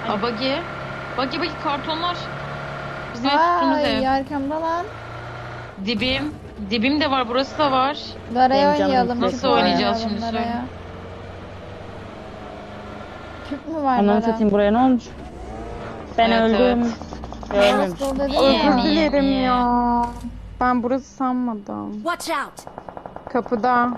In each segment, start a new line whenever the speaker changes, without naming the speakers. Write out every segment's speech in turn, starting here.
Aa, buggy. Buggy kartonlar. Bizim ev tuttuğumuz
Ay
ev.
arkamda lan.
Dibim. Dibim de var, burası da var.
Daraya
Benim canım
oynayalım.
istek
Nasıl
küp
oynayacağız
oynayalım
şimdi,
Daraya.
söyle.
Küp mü var
Ananı
Dara?
satayım, buraya ne olmuş? Ben
Evet,
öldüm.
evet.
Görmemiş.
Nasıl dedim
Niye,
ya.
niye?
Özür dilerim ya. Ben burası sanmadım.
Watch out!
Kapıda.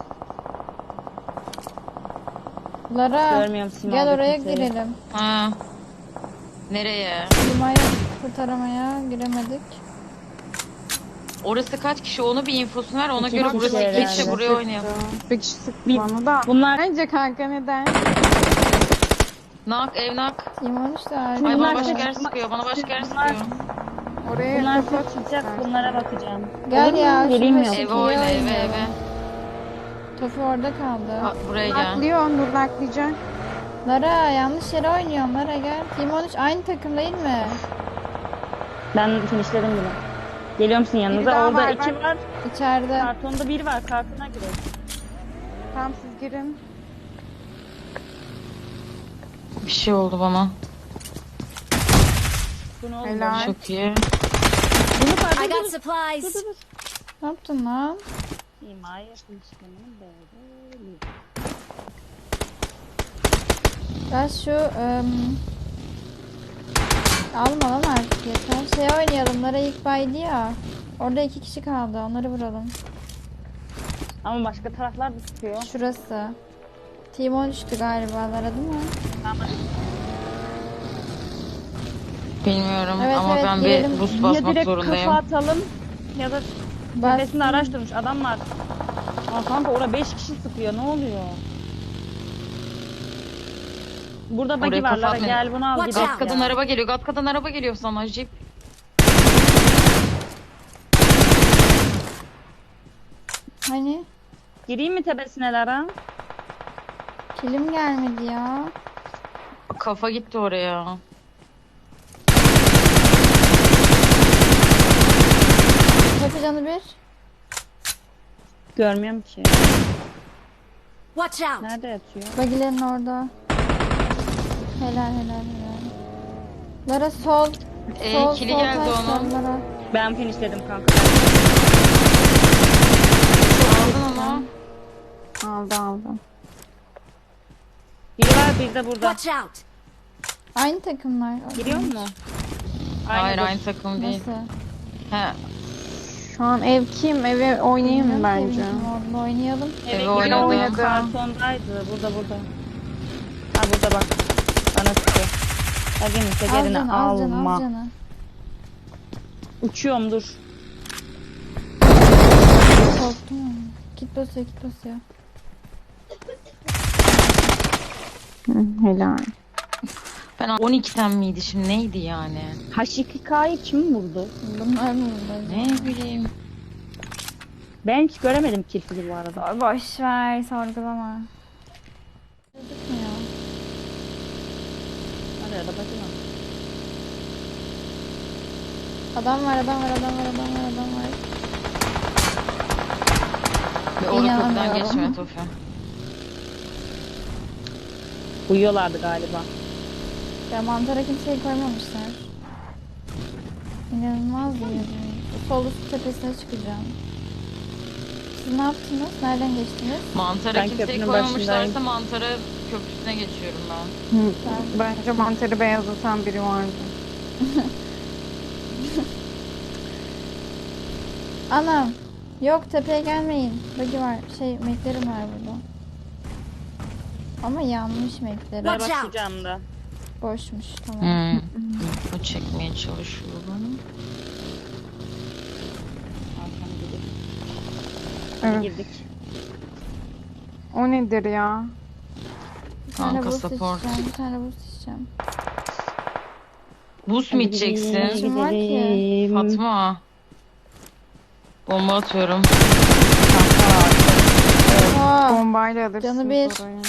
Lara
Görmüyorum Sima'da
gel oraya
kimseyi.
girelim.
Ha. Nereye?
Lima'yı kurtaramaya giremedik.
Orası kaç kişi? Onu bir infosunu ver. Ona
İki
göre
kişi
burası
herhalde.
geçse buraya oynayalım.
Bir kişi sıktı
Bir-
bana da.
Bunlar
Bence kanka neden?
Nak, ev nak.
Timon işte
Ay
Bunlar
bana
da
başka yer
çıkma-
sıkıyor. Bana başka yer
Bunlar-
sıkıyor.
Oraya
bunlar
kafa
çok çıkacak,
tutsak.
bunlara bakacağım.
Gel
Olur mu?
ya. şu
Geleyim mi?
Tofi'yi
Eve oyna, eve
oynayalım.
eve.
Tofi orada kaldı.
Ha, buraya gel.
Naklıyor, Nur naklayacak.
Lara yanlış yere oynuyorsun Lara gel. Timon 3 aynı takım değil mi?
Ben finishledim bile. Geliyor musun
Biri
yanınıza?
daha
Orada
var,
iki
bak.
var.
İçeride.
Kartonda bir var. Kartona girelim.
Tamam siz girin.
Bir şey oldu bana.
Bu ne oldu?
Helal.
Çok iyi.
Bunu fark
I got
dur.
supplies.
Ne yaptın lan?
İmaya finishlemenin böyle.
Gel şu alma lan artık yeter. Şey oynayalım. Lara ilk baydı ya. Orada 2 kişi kaldı. Onları vuralım.
Ama başka taraflar da tutuyor.
Şurası. Timon düştü galiba Lara değil mi?
Bilmiyorum
Evet,
ama
evet,
ben
girelim.
bir boost
Ya
basmak
direkt
zorundayım.
kafa atalım ya da
Bas.
tepesinde araç durmuş adam var. Aa kanka orada 5 kişi sıkıyor, ne oluyor? Burada buggy
Oraya
var
kafa
Lara,
atmayın.
gel bunu al
Watch
gidelim
out.
Gatkadan
ya.
araba geliyor. Gatkadan araba geliyor sana. Jeep.
Hani?
Gireyim mi tepesine Lara?
Kilim gelmedi ya.
Kafa gitti oraya.
Tofi canı bir.
Görmüyorum ki.
Watch out!
Nerede yatıyor?
Bagilerin orada. Helal helal helal. Lara sol. Sol
Kili
sol
geldi
taş
onun.
var Lara.
Ben finishledim kanka.
Aldın onu.
Aldı.
Biri var, bir de burada.
Watch out!
Aynı takımlar.
Giriyor mu?
Hayır
dur.
aynı takım değil.
Nasıl?
He.
Şu an ev kim? Eve oynayayım mı
Bilmiyorum ki
bence?
evin kim olduğunu oynayalım.
Evet,
Eve
biri
oynadı.
oynadı. Kartondaydı. Burada. Ha burada bak. Bana sıkıyor. Ya gelin
Al
tekerini
canı al canı al
alma.
canı.
Uçuyorum dur.
Korktum ama. Git basıyor git basıyor.
Helal.
Ben 12'den miydi şimdi neydi yani?
H2K'yı kim vurdu?
Bunlar mı bunlar?
Ne bileyim.
Ben hiç göremedim kirpili bu arada.
Boş ver sorgulama. Çocuk mu ya?
Hadi arada bakayım.
Adam var.
Ve orada köprüden
İnanamıyorum.
geçme Tofi.
Uyuyorlardı galiba.
Ya mantara kimseyi koymamışlar. İnanılmaz bir yer. Sol üst tepesine çıkacağım. Siz ne yaptınız? Nereden geçtiniz?
Mantara
Ben
kimseyi
köprünün
koymamışlarsa
başındayım.
mantara köprüsüne geçiyorum ben.
Bence mantarı beyazlatan biri vardı.
Anam. Yok tepeye gelmeyin. Bagi var. Meklerim var burada. Ama yanmış meklerim.
Ben
Watch out.
başlayacağım da.
Boşmuş tamam.
Bu çekmeye çalışıyor bana.
Arkana gidelim.
Evet.
Girdik.
O nedir ya?
Bir tane
Kanka
boost
support.
içeceğim. Bir tane boost içeceğim.
Boost mu içeceksin?
Kim var ki?
Gidelim.
Fatma. Bomba atıyorum.
Aa,
Bombayla alırsınız
Canı bir.
orayı.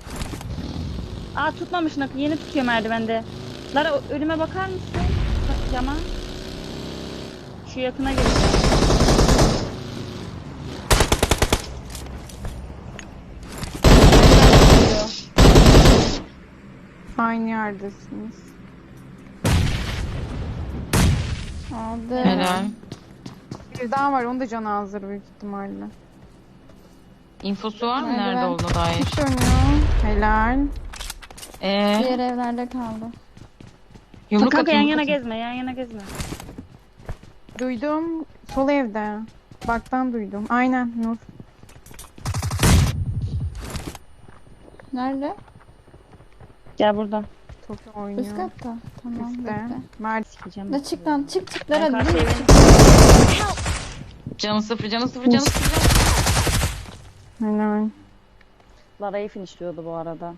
Aa tutmamış nakı, yeni tutuyor merdivende. Lara önüme bakar mısın? Cama. Şu yakına geleceğim.
Aynı yerdesiniz.
Aldı.
Helal.
Bir daha var, onun da canı azdır büyük ihtimalle.
İnfosu var mı
Nerede
nerede
ben?
olduğuna dair?
Dönüyor. Helal.
Diğer evlerde kaldı.
Yumruk
Kanka
at,
yan
yumruk
yana
at.
gezme, yan yana gezme.
Duydum. Sol evde. Baktan duydum. Aynen Nur.
Nerede?
Gel burada.
Çok
Üst
oynuyor.
katta. Tamam
Üstte.
bekle.
Mert.
Sikeceğim.
Ne çık lan çık çık
Ben
lan
karşı
hadi.
evin-
Canı sıfır, canı sıfır, canı sıfır. Canı sıfır.
Helal.
Lara'yı finishliyordu bu arada.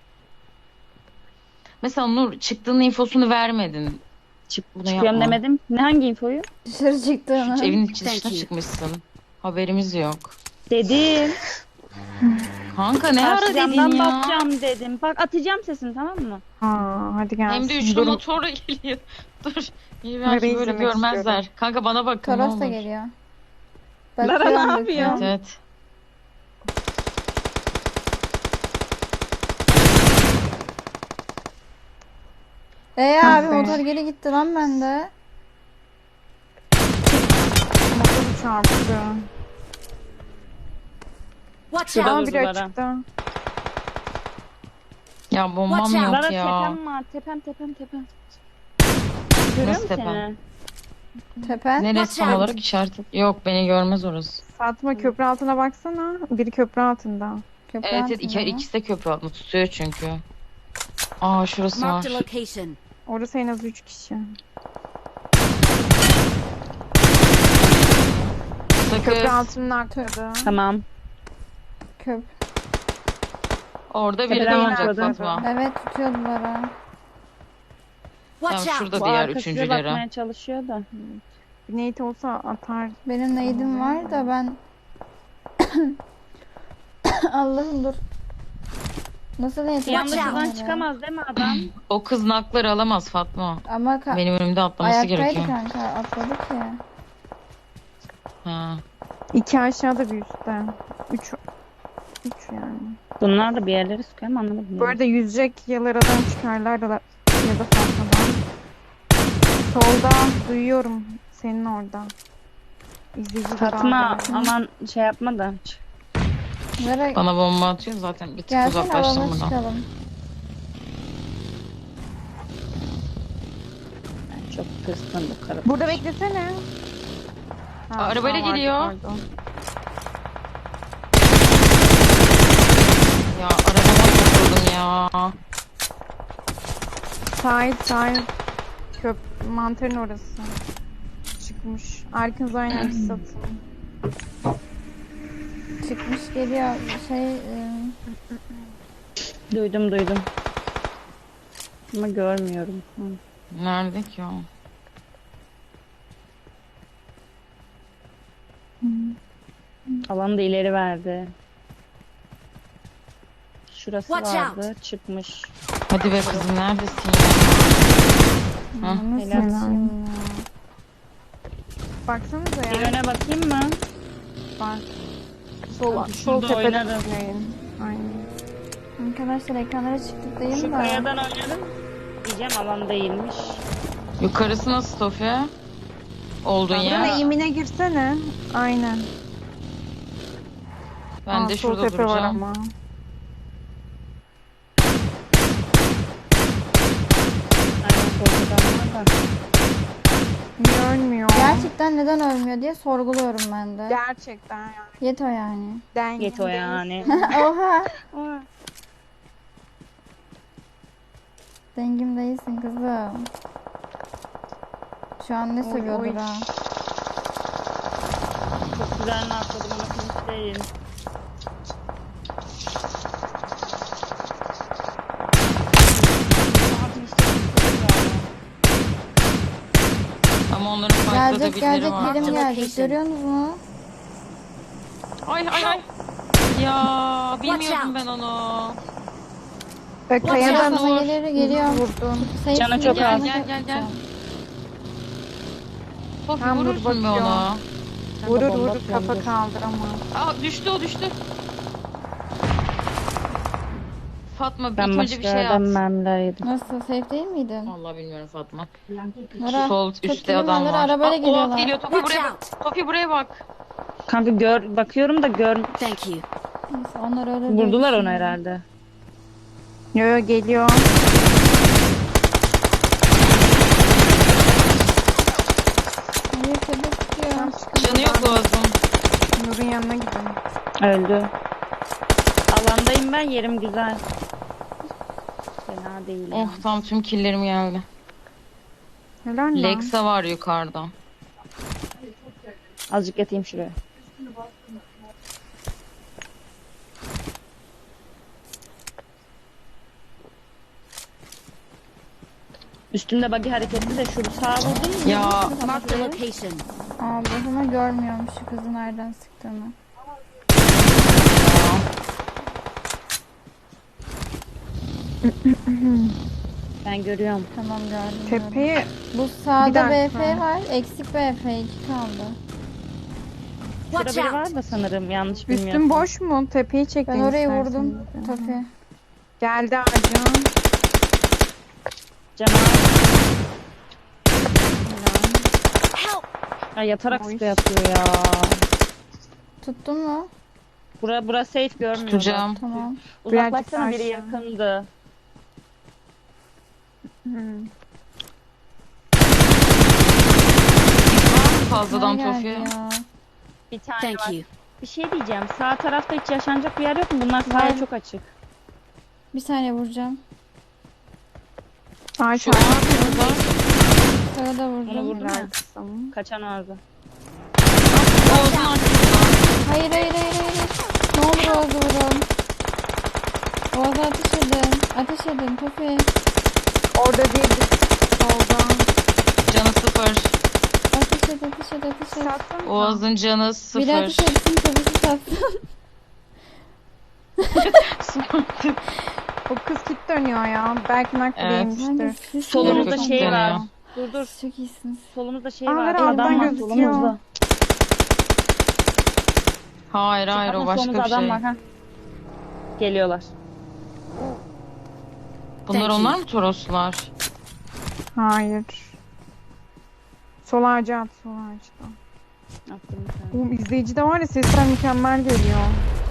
Mesela Nur çıktığın infosunu vermedin. Bunu
Çıkıyorum
yapma.
demedim. Ne hangi infoyu?
Dışarı çıktığını.
Evin
Thank
dışına
you.
çıkmışsın. Haberimiz yok.
Dedim.
Kanka ne ara
Karşı
dedin
camdan
ya?
bakacağım dedim. Bak atacağım sesini, tamam mı?
Ha, hadi gelsin.
Hem de üçlü
Durun.
motorla geliyor. Dur. İyi
Nereye
belki böyle
izlemek
görmezler.
istiyorum.
Kanka bana bakın ne
Toros da
olur.
geliyor.
Lara ne
Bakıyorum,
yapıyor?
bakıyorum.
Evet.
Abi
be.
motor geri gitti lan bende.
Motoru çarptı.
Watch
Şurada
out!
Aa,
dur
biri
Lara.
açıkta.
Ya bombam
Watch out.
yok
Lara
ya.
tepem var. Tepem. Görüyor
Nasıl
musun
tepem?
seni?
Tepe.
Neresi
Watch
tam
out.
olarak işaret? Yok beni görmez orası.
Fatma köprü altına baksana. Biri köprü altında.
Köprü
Evet,
altında mı?
ikisi de köprü altında tutuyor çünkü. Aa şurası var.
Marked a location.
Orası en az 3 kişi. Köprü
Sakız.
altının arkada.
Tamam.
Köp.
Orada biri de
Tepeden
olacak
atladı.
Fatma.
Evet tutuyordular ha.
Watch
Tamam
out!
şurada
Bu
diğer
arkasına
üçüncüleri.
bakmaya çalışıyor da.
Nate olsa atar.
Benim neydim var da ben Allah'ım dur. Nasıl
Bir
yetiştim?
anda şuradan
oraya?
çıkamaz değil mi adam?
O kız nakları alamaz Fatma.
Ama
Benim önümde atlaması
ayaktaydı
gerekiyor.
kanka atladık ya.
Ha.
2 aşağıda bir üstte. 3 yani.
Bunlar da bir yerleri sıkıyor ama anlamadım.
Bu arada yüzecek ya Lara'dan çıkarlar da ya da Fatma'dan. Solda duyuyorum senin orada. İzleyici
Fatma
daha var.
aman şey yapma da.
Nereye
Bana bomba atıyor zaten bir tık
gelsen
uzaklaştım
alana
buradan.
çıkalım.
Ben çok tırstım bu karı.
Burada beklesene. Ha,
Arabayla
vardı,
geliyor.
pardon.
Ya arabama takıldım ya.
Sahil. Mantarın orası. Çıkmış. Arkanız aynen satın.
Çıkmış geliyor şey
Duydum. Ama görmüyorum. Hı.
Nerede ki o?
Alanı da ileri verdi. Şurası
Watch
vardı. Çıkmış.
Hadi be kızım neredesin ya?
nasıl
helal.
yapayım ya?
Baksanıza
Bir
ya.
öne bakayım mı?
Bak. Sol
Hadi
sol
şurada
tepeden
oynarım.
oynayın. Aynen.
Arkadaşlar ekranlara çıktık değil
Şu
mi?
kayadan oynarım. Diyeceğim alan değilmiş.
Yukarısı nasıl Sofya? Oldun
Tamam.
Buranın
ya.
eğimine girsene. Aynen.
Ben
Aa,
de
sol
şurada
tepe var
duracağım.
ama.
Aynen korkudan var da.
Niye ölmüyor?
Gerçekten neden ölmüyor diye sorguluyorum ben de.
Gerçekten yani.
Yeto yani.
Get o yani.
Oha.
Oha.
Dengim değilsin kızım. Şu an ne
Oy,
seviyordur
oy.
ha.
Çok güzel atladım ama finish değil.
Ama onların fight'ta da
Gelecek
birileri var.
birim gelecek.
Location.
Görüyorsunuz mu?
Ay. Ya bilmiyordum
out.
ben onu.
Ve kayadan
Sana geliyor.
vurdun.
Sayısını
Canı çok
gel,
az.
Gel. Sofya
Tamam, dur
vurursun be
bakıyorum.
onu.
Vurur
bomba
vurur kafa
atıyordur.
kaldıramaz.
Aa düştü o düştü. Fatma
Ben
ilk önce bir
başka
şey
yerden
at.
mermiler yedim.
Nasıl? Safe değil miydin?
Vallahi bilmiyorum Fatma.
Nora,
Sol
tut
üstte
kilim
adam
alır,
var.
arabayla
Aa,
geliyorlar.
Oğuz geliyor. Tofi
Watch
buraya bak.
out!
Tofi buraya bak.
Kanka bakıyorum da
Thank you.
Neyse onlar ölür diye
vurdular onu
düşünüyorum.
herhalde.
Yo yo geliyor.
Hayır tepe tutuyor.
Canı yok Oğuz'un.
Nur'un yanına gidin.
Öldü. Alandayım ben, yerim güzel. Fena değil.
Oh tam tüm killerim geldi.
Helal lan.
Lexa var yukarıda.
Azıcık yatayım şuraya. Üstünde buggy hareketli de şu sağa vurdun mu?
Ya
Mark the location.
Ama görmüyormuş şu kızı nereden sıktığını.
Ben görüyorum.
Tamam gördüm. gördüm.
Tepeyi
Bu
Bir
sağda
dakika.
BF var. Eksik BF 2 kaldı.
Şurada
Watch
biri
out!
var da sanırım, yanlış bilmiyorsam.
üstün boş mu? Tepeyi çektin
Ben orayı
istersen.
vurdum. Tofi.
Geldi ağacın.
Cemal.
Help!
Ya yatarak
Oy.
sıkı yatıyor ya.
Tuttun mu?
Bura safe görmüyorum.
tutacağım.
Tamam.
Uzaklaşsana, biri
aşağı.
yakındı.
Fazladan
Nereye
Tofi.
geldi ya?
Bir tane
Thank
var.
you.
Bir şey diyeceğim. Sağ tarafta hiç yaşanacak bir yer yok mu? Bunlar
Var.
sahaya çok açık.
Bir saniye vuracağım.
Ağaç
Şu an burada.
Sağa da
Onu
vurdum.
vurdun mu?
arkasın.
Kaçan ağzı.
Oğuz'un arkasında.
Hayır hayır hayır hayır. Ne olur Oğuz'u vurun. Oğuz'a ateş edin. Ateş edin Tofi.
Orada değil. Solda.
Canı sıfır.
Ateş et ateş et ateş et.
Satsana.
Oğuz'un canı
Biri ateş
sıfır.
etsin Tofi'si satsın.
O kız kit dönüyor ya. Belki nakliymiştir.
Kanka siz
Solumuzda
Çok
şey var.
dönüyor.
Dur.
Siz çok iyisiniz.
Solumuzda şey
Aa,
var.
alttan
Adam var
gözüküyor.
solumuzda.
Hayır hayır o
Bakın
başka
solumuzda
bir
adam
şey.
var, ha. Geliyorlar.
Bunlar
Thank
onlar
you.
mı Toroslar?
Hayır. Sol ağaca at. Sol ağaçta.
Attım bir tane.
Oğlum izleyici de var ya, sesler mükemmel geliyor.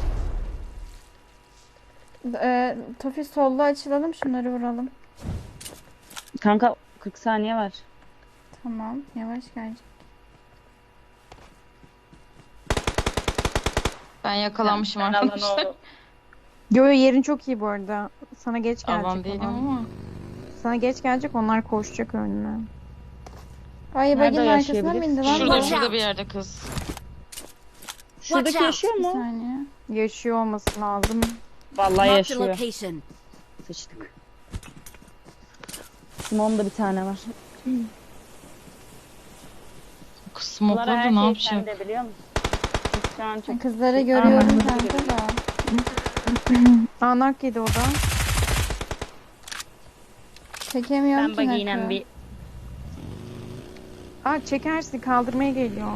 Tofi solda açılalım şunları vuralım.
Kanka 40 saniye var.
Tamam yavaş gelecek.
Ben yakalanmışım
Ben alan
arkadaşlar.
oldu.
Yo yo, yerin çok iyi bu arada. Sana geç gelecek
Alan değilim
olan.
ama.
Sana geç gelecek, onlar koşacak önüne.
Ay
Nerede
baginin arkasına
yaşayabiliriz?
bindi lan.
Şurada
bu.
şurada bir yerde kız.
Şuradaki
Watch out.
yaşıyor
Bir
mu?
saniye.
Yaşıyor olması lazım.
Vallahi
Mark the
yaşıyor.
location.
Sıçtık. Simon'da bir tane var.
Kız
Bunlara
smokladı
her
ne
şey
yapacak?
sende, biliyor musun? Biz şu an çok...
Kızları görüyorum
Aman.
kanka da.
Anak yedi o da.
Çekemiyorum
Ben
ki
bagiyla
nakı.
bir...
Aa, çekersin, kaldırmaya geliyor.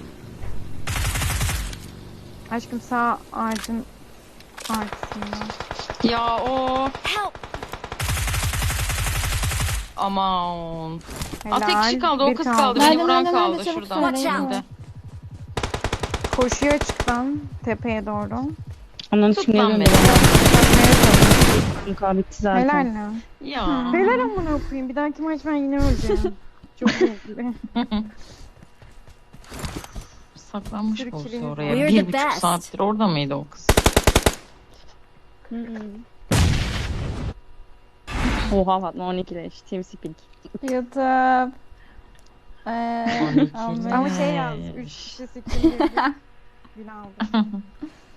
Aşkım sağ ağacın arkasında.
Ya o.
Help!
Aman.
Helal.
Tek kişi kaldı o
Bir
kız
kaldı.
kaldı.
Nerede,
Beni vuran
nerede,
kaldı
nerede? Çabuk
şuradan.
söyle,
Watch out.
Şimdi.
Koşuyor açıktan tepeye doğru.
Onun
Tut
için
lan
ne
beni.
Kanka bitti zaten.
Helal lan.
Ya.
Helal amına koyayım. Bir dahaki maç ben yine öleceğim. Çok zevkli.
Saklanmış
Sürü
olsa
kilimiz
oraya.
var. We're the
1,5
best.
saattir orada mıydı o kız?
Hı hı. Oha Fatma 12 leş. TeamSpeak.
YouTube.
12
Aman.
Ama şey yaz. 3 kişi 8 gün aldı.